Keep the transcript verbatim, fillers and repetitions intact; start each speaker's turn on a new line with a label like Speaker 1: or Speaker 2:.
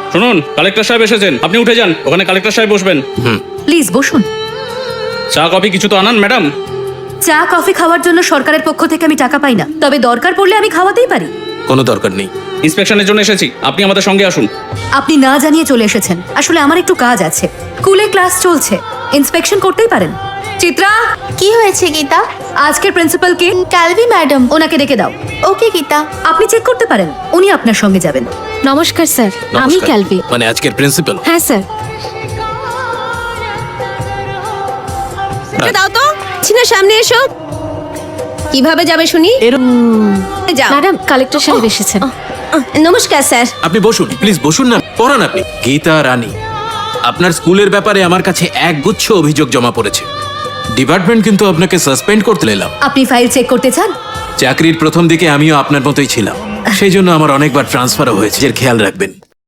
Speaker 1: শুনুন, কালেক্টর সাহেব এসেছেন, আপনি উঠে যান, ওখানে কালেক্টর সাহেব বসবেন।
Speaker 2: প্লিজ বসুন।
Speaker 1: চা কফি কিছু তো আনান ম্যাডাম।
Speaker 2: চা কফি খাওয়ার জন্য সরকারের পক্ষ থেকে আমি টাকা পাই না, তবে দরকার পড়লে আমি খাওয়াতেই পারি।
Speaker 3: কোনো দরকার নেই।
Speaker 1: ইন্সপেকশনের জন্য এসেছি, আপনি আমাদের সঙ্গে আসুন।
Speaker 2: আপনি না জানিয়ে চলে এসেছেন, আসলে আমার একটু কাজ আছে। স্কুলে ক্লাস চলছে, ইন্সপেকশন করতেই পারেন। চিত্রা,
Speaker 4: কি হয়েছে গীতা?
Speaker 2: আজকের প্রিন্সিপাল কে?
Speaker 4: কালবি ম্যাডাম।
Speaker 2: ওনাকে ডেকে দাও।
Speaker 4: ওকে গীতা।
Speaker 2: আপনি চেক করতে পারেন, উনি আপনার সঙ্গে যাবেন।
Speaker 5: নমস্কার স্যার, আমি
Speaker 3: নমস্কার।
Speaker 5: ক্যালভি।
Speaker 3: মানে আজকের প্রিন্সিপাল?
Speaker 5: হ্যাঁ স্যার। দাও তো, ছিনা সামনে এসো। কিভাবে যাবে শুনি? যাও। ম্যাডাম, কালেক্টর সাহেব এসেছেন। নমস্কার স্যার।
Speaker 3: আপনি বসুন, প্লিজ বসুন না, পড়ান আপনি। গীতা রানী, আপনার স্কুলের ব্যাপারে আমার কাছে একগুচ্ছ অভিযোগ জমা পড়েছে। ডিপার্টমেন্ট কিন্তু আপনাকে সাসপেন্ড করতে এলাম।
Speaker 2: আপনি ফাইল চেক করতে চান?
Speaker 3: চাকরির প্রথম দিকে আমিও আপনার মতোই ছিলাম, সেই জন্য আমার অনেকবার ট্রান্সফারও হয়েছে, এর খেয়াল রাখবেন।